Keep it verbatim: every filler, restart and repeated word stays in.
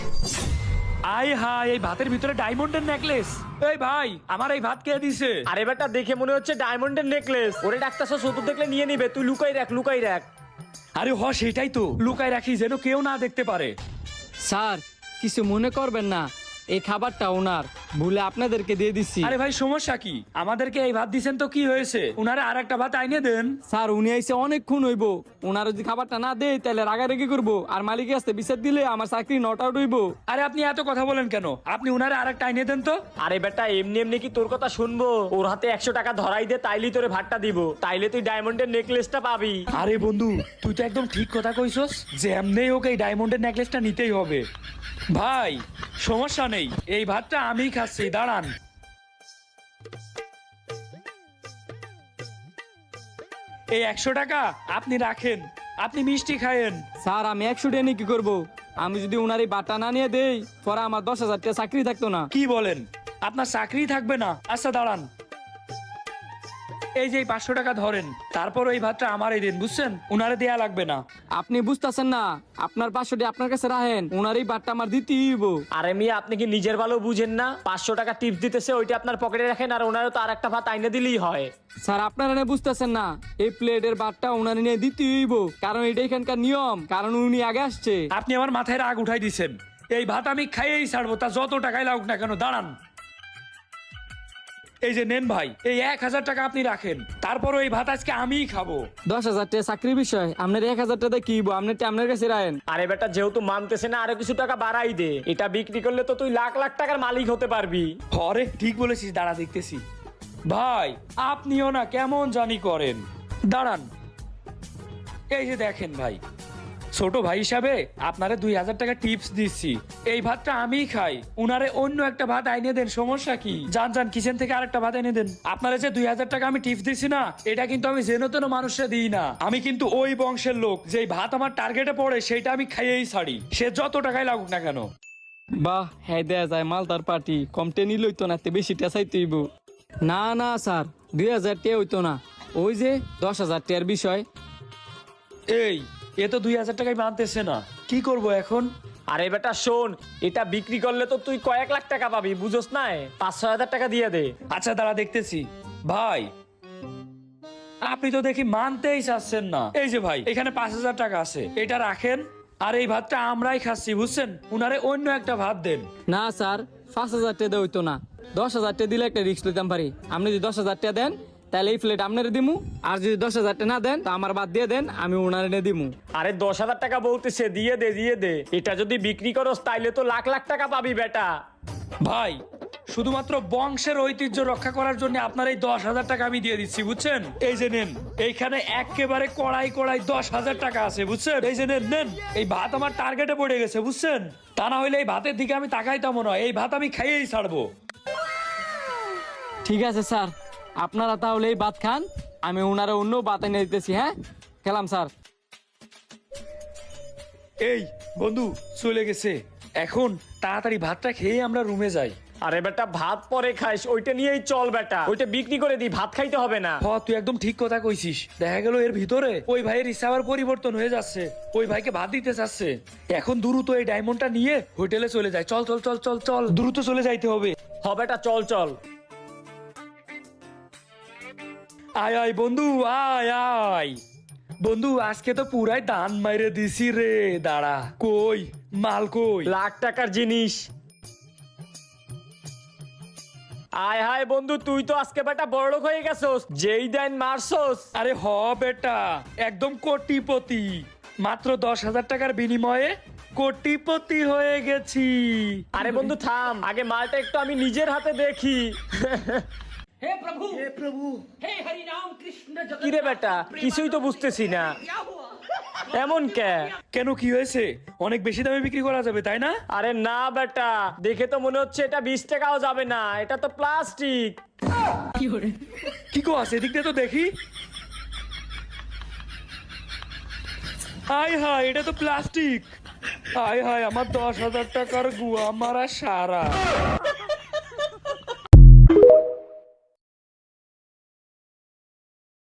আয় হায়, এই ভাতের ভিতরে ডায়মন্ডের নেকলেস। এই ভাই, আমার এই ভাত কে দিছে? আরে বেটা দেখে মনে হচ্ছে ডায়মন্ডের নেকলেস। ওরে ডাক্তার সব দেখলে নিয়ে নিবে, তুই লুকাই রাখ লুকাই রাখ। আরে হ, সেটাই তো, লুকায় রাখি যেন কেউ না দেখতে পারে। স্যার কিছু মনে করবেন না, এই খাবারটা ওনার, ভুলে আপনাদেরকে দিয়ে দিচ্ছি। আরে ভাই, সমস্যা কি? আমাদেরকে এই ভাত দিছেন তো কি হয়েছে? উনারে আর একটা ভাত আইনে দেন। স্যার উনি আইসে অনেকক্ষণ হইব, ওনার যদি খাবারটা না দেয় তাহলে রাগারাগি করবো, আর মালিকের আসতে বিচার দিলে আমার চাকরি নট আউট হইব। আরে আপনি এত কথা বলেন কেন? আপনি উনারে আর একটা আইনে দেন তো। আরে বেটা এমনি এমনি কি তোর কথা শুনবো? ওর হাতে একশো টাকা ধরাই দে, তাইলেই তোরে ভাতটা দিব, তাইলে তুই ডায়মন্ডের নেকলেসটা পাবি। আরে বন্ধু, তুই তো একদম ঠিক কথা কইছস যে এমনি হোক এই ডায়মন্ডের নেকলেসটা নিতেই হবে। ভাই সমস্যা নেই, এই ভাতটা আমি খাচ্ছি, দাঁড়ান। এই একশো টাকা আপনি রাখেন, আপনি মিষ্টি খায়েন। স্যার আমি একশো টাকা নিয়ে কি করবো? আমি যদি ওনার এই বাটা না নিয়ে দেই পরে আমার দশ হাজার টাকা চাকরি থাকতো না। কি বলেন? আপনার চাকরি থাকবে না? আচ্ছা দাঁড়ান, এই যে পাঁচশো টাকা ধরেন, তারপর ওই ভাতটা আমারই দিন, বুঝছেন? উনারে দেয়া লাগবে না। আপনি বুঝতেছেন না, আপনার পাঁচশো টাকা আপনার কাছে রাখেন, ওনার এই বাটটা আমার দিতেই হইব। আরে মিয়া আপনি কি নিজের ভালো বুঝেন না? পাঁচশো টাকা টিপস দিতেছে, ওইটা আপনার পকেটে রাখেন, আর ওনারও তো আর একটা ভাত আইনে দিলেই হয়। স্যার আপনারা না বুঝতেছেন না, এই প্লেটের বাটটা ওনার নিয়ে দিতেই হইব, কারণ এটা এখানকার নিয়ম, কারণ উনি আগে আসছে। আপনি আমার মাথায় রাগ উঠাই দিচ্ছেন। এই ভাত আমি খাইয়েই ছাড়বো, তা যত টাকাই লাগুক না কেন। দাঁড়ান, এই যে নেন ভাই, এই এক হাজার টাকা আপনি রাখেন, তারপর ওই ভাত আজকে আমিই খাবো। দশ হাজার টাকা চাকরির বিষয়, আপনার এক হাজার টাকা কি হইব? আপনার আপনার কাছে রাখেন। আরে বেটা যেহেতু মানতেছে না, আরো কিছু টাকা বাড়াই দে, এটা বিক্রি করলে তো তুই লাখ লাখ টাকার মালিক হতে পারবি। হরে ঠিক বলেছিস, দাঁড়া দেখতেছি। ভাই আপনিও না কেমন জানি করেন, দাঁড়ান। এই যে দেখেন ভাই, ছোট ভাই হিসাবে আপনারে দুই হাজার টাকা টিপস দিচ্ছি, এই ভাতটা আমিই খাই, উনারে অন্য একটা ভাত আইনে দেন, সমস্যা কি? যান যান কিচেন থেকে আরেকটা ভাত এনে দেন। আপনারা যে দুই হাজার টাকা আমি টিপস দিচ্ছি না, এটা কিন্তু আমি যেন তেন মানুষে দিই না, আমি কিন্তু ওই বংশের লোক, যে ভাত আমার টার্গেটে পড়ে সেটা আমি খাইয়েই ছাড়ি, সে যত টাকাই লাগুক না কেন। বাহ, হ্যাঁ দেয়া যায় মালদার পার্টি, কমটে নিল হইতো না, বেশি টেসাই তুইব। না না স্যার, দুই হাজার টাকা হইতো না, ওই যে দশ হাজার টাকার বিষয়। এই এ তো দুই হাজার টাকায় মানতেছে না, কি করব এখন? আরে বেটা শোন, এটা বিক্রি করলে তো তুই কয়েক লাখ টাকা পাবি, বুঝোস না? পাঁচ ছয় হাজার টাকা দিয়ে দে। আচ্ছা দাঁড়া দেখতেছি। ভাই আপনি তো দেখি মানতেই চাচ্ছেন না। এই যে ভাই, এখানে পাঁচ হাজার টাকা আছে, এটা রাখেন, আর এই ভাতটা আমরাই খাচ্ছি, বুঝছেন? উনারে অন্য একটা ভাত দেন। না স্যার, পাঁচ হাজার টাকা হইতো না, দশ হাজার টাকা দিলে একটা রিস্ক লইতাম পারি। আপনি যদি দশ হাজার টাকা দেন তাহলে এই প্লেট আপনার দিমু, আর যদি দশ হাজার টাকা না দেন তা আমার বাদ দিয়ে দেন, আমি ওনার এনে দিমু। আরে দশ হাজার টাকা বলতেছে, দিয়ে দে দিয়ে দে, এটা যদি বিক্রি করস তাইলে তো লাখ লাখ টাকা পাবি বেটা। ভাই শুধুমাত্র বংশের ঐতিহ্য রক্ষা করার জন্য আপনার এই দশ হাজার টাকা আমি দিয়ে দিচ্ছি, বুঝছেন? এই যে নেন, এইখানে একেবারে কড়াই কড়াই দশ হাজার টাকা আছে, বুঝছেন? এই যে নেন নেন, এই ভাত আমার টার্গেটে পড়ে গেছে, বুঝছেন? তা না হইলে এই ভাতের দিকে আমি তাকাইতাম না, এই ভাত আমি খাইয়েই ছাড়বো। ঠিক আছে স্যার, আপনারা তাহলে এই ভাত খান, আমি ওনারা অন্য ভাত এনে দিতেছি। হ্যাঁ খেলাম স্যার। এই বন্ধু চলে গেছে, এখন তাড়াতাড়ি ভাতটা খেয়ে আমরা রুমে যাই। আরে বেটা ভাত পরে খাইস, ওইটা নিয়েই চল বেটা, ওইটা বিক্রি করে দি, ভাত খাইতে হবে না। হ তুই একদম ঠিক কথা কইছিস, দেখা গেল এর ভিতরে ওই ভাইয়ের ইচ্ছা আবার পরিবর্তন হয়ে যাচ্ছে, ওই ভাইকে ভাত দিতে চাচ্ছে। এখন দ্রুত এই ডায়মন্ডটা নিয়ে হোটেলে চলে যায়, চল চল চল চল চল, দ্রুত চলে যাইতে হবে। হ বেটা চল চল। আয় আয় বন্ধু, আয় আয় বন্ধু, আজকে তো পুরাই দান মাইরে দিছি রে। দাঁড়া, কই মাল কই? লাখ টাকার জিনিস। আয় হায় বন্ধু, তুই তো আজকে বেটা বড়লোক হয়ে গেছস, যেই দেন মারছস। আরে হ বেটা, একদম কোটিপতি, মাত্র দশ হাজার টাকার বিনিময়ে কোটিপতি হয়ে গেছি। আরে বন্ধু থাম, আগে মালটা একটু আমি নিজের হাতে দেখি। हे प्रभु हे प्रभु हे हरि राम कृष्ण जगन्नाथ। কিরে বেটা, কিছুই তো বুঝতেছি না, क्या हुआ? এমন কে? কেন, কি হয়েছে? অনেক বেশি দামে বিক্রি করা যাবে তাই না? আরে না বেটা, দেখে তো মনে হচ্ছে এটা বিশ টাকাও যাবে না, এটা তো প্লাস্টিক। কি কো আছে, এদিক দিয়ে তো দেখি। আয় হায়, এটা তো প্লাস্টিক। আয় হায়, আমার দশ হাজার টাকার গুয়া মারা সারা।